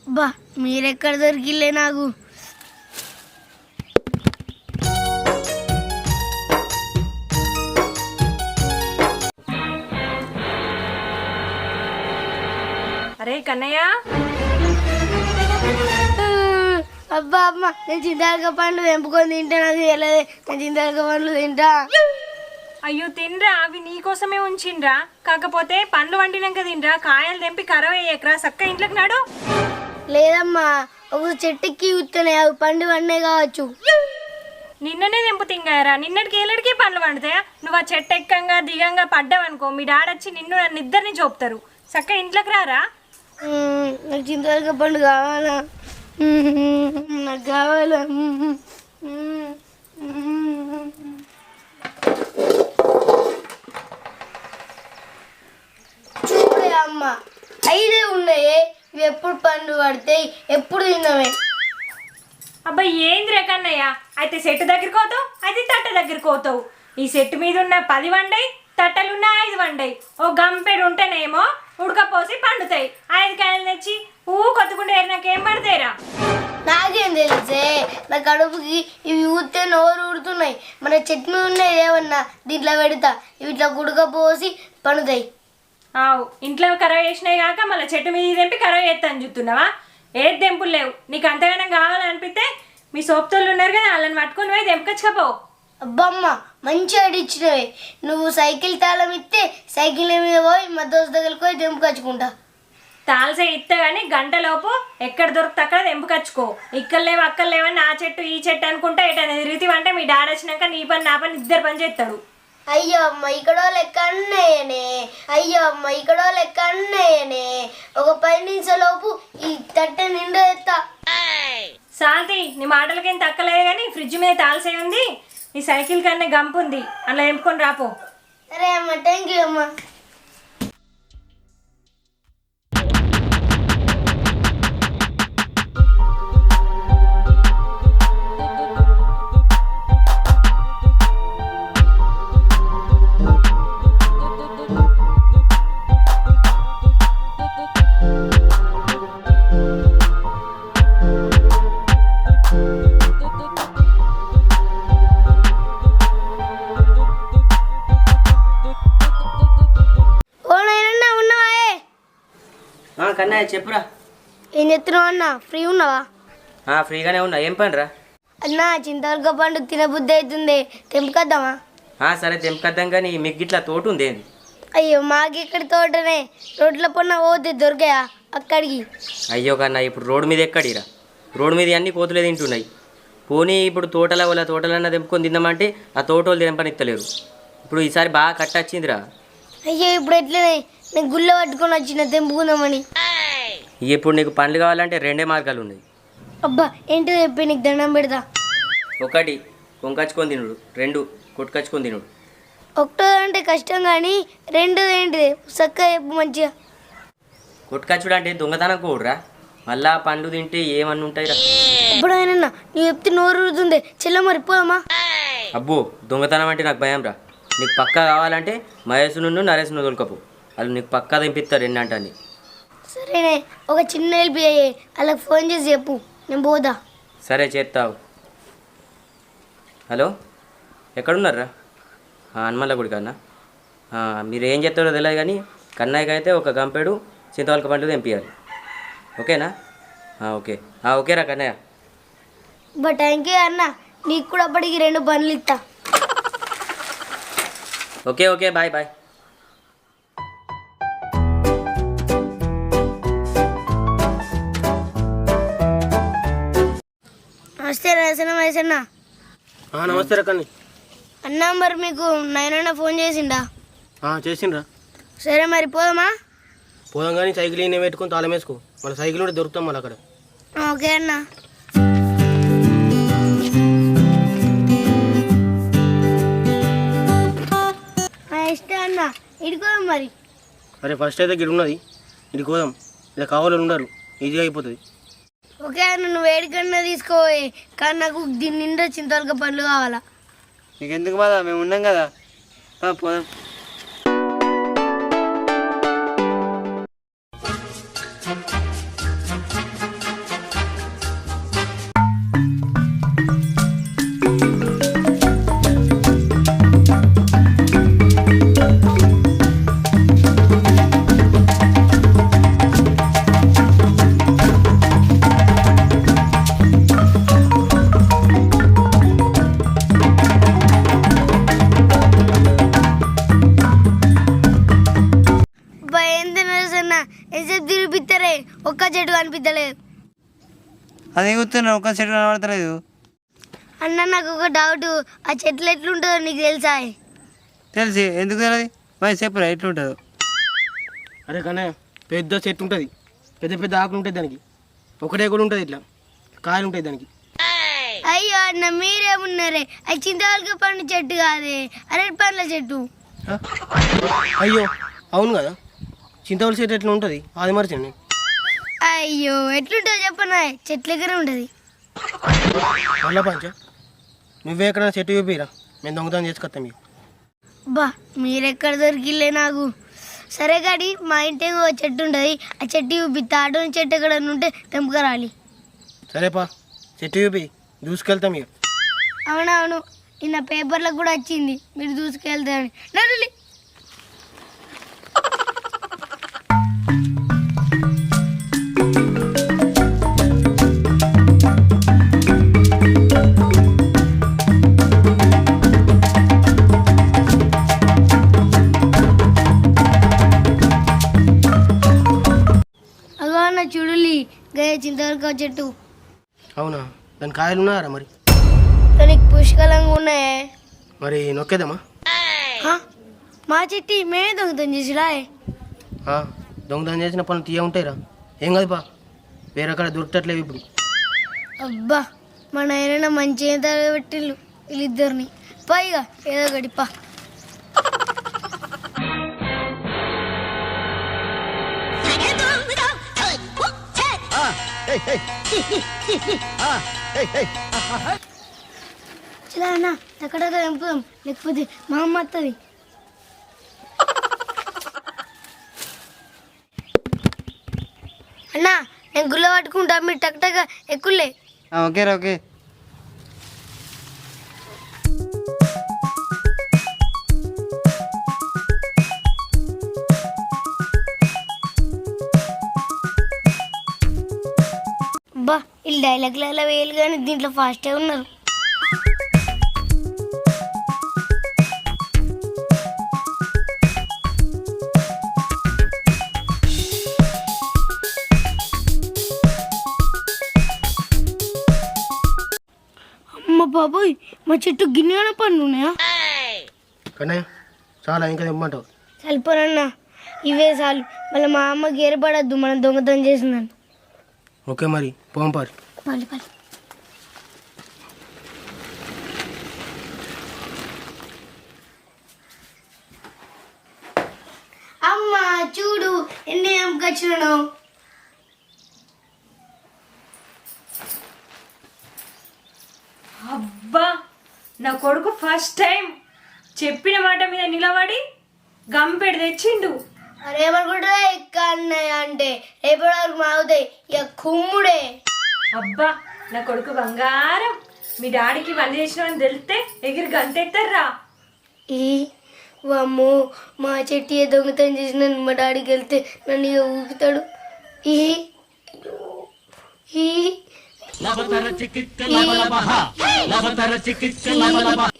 బా మీరెక్కడ దొరికిలే నాకు. అరే కన్నయ్య, అబ్బా అమ్మ నేను చింతాలక పండ్లు తెంపుకొని తింటా. నాకు తెలియదు నేను చింతాలక పండ్లు తింటా. అయ్యో తినరా, అవి నీకోసమే ఉంచిండ్రా. కాకపోతే పండ్లు వండినాక తినరా, కాయలు తెంపి కరవ వేయకరా. చక్క ఇంట్లోకి నాడు. లేదమ్మా ఒక చెట్టుకి ఉత్తనే అవి పండు పండే కావచ్చు. నిన్ననే తెంపు తింగారా, నిన్నటికి ఏళ్ళడికి పండ్లు వండుతాయా? నువ్వు ఆ చెట్టు ఎక్కంగా దిగంగా పడ్డావనుకో మీ డాడొచ్చి నిన్ను నన్ను ఇద్దరిని చూపుతారు. చక్క ఇంట్లోకి రారా. నాకు చింతాలక పండు కావాలా, నాకు కావాలా. చూడే అమ్మ 5 ఉన్నాయి. ఇవి ఎప్పుడు పండు పడతాయి, ఎప్పుడు తిన్నామే. అబ్బాయి ఏంది కన్నయ్య, అయితే చెట్టు దగ్గరికి పోతావు, అయితే తట్ట దగ్గరికి పోతావు. ఈ చెట్టు మీద ఉన్న 10 వండాయి, తట్టలున్న 5 వండాయి. ఓ గంపెడు ఉంటేనేమో ఉడకపోసి పండుతాయి. 5 కాయలు తెచ్చి కొత్తకుండా నాకేం పడతాయిరా. నాకేం తెలిసే, నా కడుపుకి ఇవి ఊతే నోరు ఊడుతున్నాయి. మన చెట్టు మీద ఉన్నాయి ఏమన్నా దీంట్లో పెడతా, ఇవి ఇట్లా ఉడకపోసి పండుతాయి. ఆవు ఇంట్లో కరవ చేసినాయి కాక మళ్ళీ చెట్టు మీద తెంపి కరవ చేస్తాను చూస్తున్నావా? ఏది తెంపులు లేవు. నీకు అంతగానం కావాలనిపిస్తే మీ సోపుతోళ్ళు ఉన్నారు కదా, వాళ్ళని పట్టుకొని పోయి తెంపకొచ్చుకపో. అబ్బమ్మ మంచిగా అడిచ్చినవే. నువ్వు సైకిల్ తాళం ఇస్తే సైకిల్ మీద పోయి మా దోస్తు దగ్గరికి పోయి తెంపుకొచ్చుకుంటా. తాల్సే ఇస్తే కానీ గంటలోపు ఎక్కడ దొరికితే అక్కడ తెంపుకొచ్చుకో. ఇక్కడ లేవు అక్కడ లేవని ఆ చెట్టు ఈ చెట్టు అనుకుంటా ఎటనే తిరుగుతావు. అంటే మీ డాడీ వచ్చినాక నీ పని నా పని ఇద్దరు పని చేస్తాడు. అయ్యో అమ్మ ఇక్కడో లెక్క అన్నయ్యనే, అయ్యో అమ్మ ఇక్కడో లెక్క అన్నయ్యనే. ఒక 10 నిమిషాలలోపు ఈ తట్టె నిండా ఎత్తా. శాంతి నీ మాటలకేం తక్కలేదు కానీ ఫ్రిడ్జ్ మీద తాల్సే ఉంది. నీ సైకిల్ కన్నా గంపు ఉంది, అలా తెంపుకొని రాపో. సరే అమ్మ, థ్యాంక్ యూ అమ్మ. కన్నయ్య చెప్పురా. ఏం చెప్తున్నావు అన్న, ఫ్రీ ఉన్నావా? ఫ్రీగానే ఉన్నా. ఏం పని రా అన్న? చింతవరక పండు తినబుద్ధి అవుతుంది, తెంపుకొద్దామా? సరే తెంపుకొద్దాం. కానీ మీకు ఇట్లా తోట ఉంది ఏంది? అయ్యో మాకెక్కడి తోటనే, రోడ్ల పన్న పోతే దొరికాయా అక్కడికి? అయ్యో కన్నా ఇప్పుడు రోడ్డు మీద ఎక్కడిరా? రోడ్డు మీద అన్ని కోతులే తింటున్నాయి. పోనీ ఇప్పుడు తోటలో వాళ్ళ తోటలన్నా తెంపుకొని తిందామంటే ఆ తోట వాళ్ళు తెంపనిత్తలేరు. ఇప్పుడు ఈసారి బాగా కట్టొచ్చిందిరా. అయ్యో ఇప్పుడు ఎట్లనే, నేను గుళ్ళ పట్టుకొని వచ్చిన తెంపుకుందామని. ఇప్పుడు నీకు పండ్లు కావాలంటే 2 మార్గాలు ఉన్నాయి. అబ్బా ఏంటో చెప్పి నీకు దండం పెడతా. 1 కొనుకొచ్చుకొని తినుడు, 2 కొట్టుకొచ్చుకొని తినుడు. 1 అంటే కష్టం కానీ 2 ఏంటిది చక్కగా చెప్పు మంచిగా. కొట్టుకొచ్చుడు అంటే దొంగతనం కూడరా, మళ్ళా పండ్లు తింటే ఏమన్నా ఉంటాయిరా. ఇప్పుడు ఆయన నువ్వు చెప్తే నోరు ఊరుతుంది. చెల్ల మరిపోదామా? అబ్బో దొంగతనం అంటే నాకు భయం రా. నీకు పక్కా కావాలంటే మహేష్ను నరేష్ను దొరకపో, వాళ్ళు నీకు పక్కా తెంపిస్తారు ఎన్నంటని. సరేనే, ఒక చిన్న హెల్ప్ అయ్యే, వాళ్ళకి ఫోన్ చేసి చెప్పు, నేను పోదా. సరే చేస్తావు. హలో ఎక్కడున్నారా? హనుమల్ల గుడి కన్నా. మీరు ఏం చెప్తారో తెలియదు కానీ కన్నయ్యకి అయితే ఒక గంపెడు చింతవలక పండ్లు తెంపియాలి. ఓకేనా? ఓకే ఓకేరా కన్నయ్య. బట్ థ్యాంక్ యూ అన్న, నీకు కూడా అప్పటికి 2 పనులు ఇస్తా. Okay bye bye. నమస్తే వయసన్న. నమస్తే రకని అన్న, మరి మీకు 9 అన్న ఫోన్ చేసిండా? చేసిండ్రా. సరే మరి పోదామా? పోదాం కానీ సైకిల్ నేను పెట్టుకుని తాళం వేసుకో, మళ్ళీ సైకిల్ కూడా దొరుకుతాం మళ్ళీ అక్కడ. ఓకే అన్న. ఇష్టం అన్న, ఇడుకోదాం మరి. అరే ఫస్ట్ అయితే గిడి ఉన్నది, ఇడికి పోదాం. ఇలా కావాలని ఉండరు, ఈజీగా అయిపోతుంది. ఓకే అన్న, నువ్వు వేడికన్నా తీసుకోవాలి కానీ నాకు దీని నిండా చింతవలక పండ్లు కావాలా. నీకు ఎందుకు బాధ, మేము ఉన్నాం కదా, పోదాం. కనిపించలేదు. అది కూర్చున్నా ఒక చెట్టు కనబడతలేదు. అన్న నాకు ఒక డౌట్, ఆ చెట్లు ఎట్లుంటుందో నీకు తెలుసా? తెలిసి ఎందుకు తెలియదు మరి చెప్పురా ఎట్లుంటుందో. అరే కన్నయ్య, పెద్ద చెట్టు ఉంటుంది, పెద్ద పెద్ద ఆకులు ఉంటాయి దానికి, ఒకటే కూడా ఉంటుంది, ఇట్లా కాయలు ఉంటాయి దానికి. అయ్యో అన్న మీరేమున్నారే, అది చింతవలక పండు చెట్టు కాదే, అరటి పండ్ల చెట్టు. ఆ? అయ్యో అవును కదా, చింతవలసి చెట్టు ఎట్లా ఉంటుంది అది మర్చండి. అయ్యో ఎట్లుంటుందో చెప్పనా, చెట్ల దగ్గర ఉంటుంది. మళ్ళా పంచ, నువ్వే ఎక్కడైనా చెట్టు చూపిరా, మేము దొంగతనం చేసుకొస్తాం మీకు. బా మీరెక్కడ దొరికిలే నాకు. సరే గాడి, మా ఇంటి ఓ చెట్టు ఉంటుంది, ఆ చెట్టు చూపిస్తా. అటువంటి చెట్టు ఎక్కడ ఉంటే తెంపుకరాలి. సరేపా, చెట్టు చూపి దూసుకెళ్తాం ఇక. అవునవును, నిన్న పేపర్లకు కూడా వచ్చింది మీరు దూసుకెళ్తారని. నడులి. అగో అన్న చూడులి, గయ చింతవరకు చెట్టు. అవునా, దాని కాయలు ఉన్నారా మరి? దానికి పుష్కలంగా ఉన్నాయే. మరి నొక్కేద్దామా? హా? మా చెట్టి మేమే దొంగతనం చేసిరా? ఆ, దొంగతనం చేసిన పనులు తీయ ఉంటాయిరా, ఏం కాదు పా, వేరే కాడ దొరికట్లేవు ఇప్పుడు. అబ్బా మన ఆయన మంచిగా తగబెట్టిళ్ళు వీళ్ళిద్దరిని. పైగా ఏదో గడిపా. చలా అన్న ఎక్కడ ఎంపుదాం, లేకపోతే మా అమ్మ వస్తుంది. అన్న నేను గుల్ల పట్టుకుంటా, మీరు టక్ టక్ ఎక్కులే. ఓకేరా ఓకే. అబ్బా వీళ్ళు డైలాగ్లు అలా వేయాలి కానీ దీంట్లో ఫాస్ట్గా ఉన్నారు. అమ్మ బాబోయ్, మా చెట్టు గిన్నె పండ్లు ఉన్నాయా? కన్నయ్య చాలా ఇంకా ఇమ్మంటావు. సరిపోనన్నా ఇవే చాలు, మళ్ళీ మా అమ్మకి ఏర్పడద్దు మనం దొంగతనం చేసిందని. ఓకే మరి పోంపారు. పల్లి పల్లి. అమ్మ చూడు ఎన్ని ఎంకొచ్చినాను. అబ్బా నా కొడుకు ఫస్ట్ టైం చెప్పిన మాట మీద నిలబడి గంపెడు తెచ్చిండు. అరేమనుకుంటా ఎక్క అన్నయ్య అంటే రేపటి వరకు మావుతాయి ఇక కుమ్ముడే. అబ్బా నా కొడుకు బంగారం. మీ డాడీకి వల్లి చేసినామని తెలిస్తే ఎగిరి గంతెత్తారా. ఈ అమ్మో మా చెట్టు ఏ దొంగతనం చేసిన మా డాడీకి వెళ్తే నన్ను ఇక ఊపుతాడు. ఈ ఈ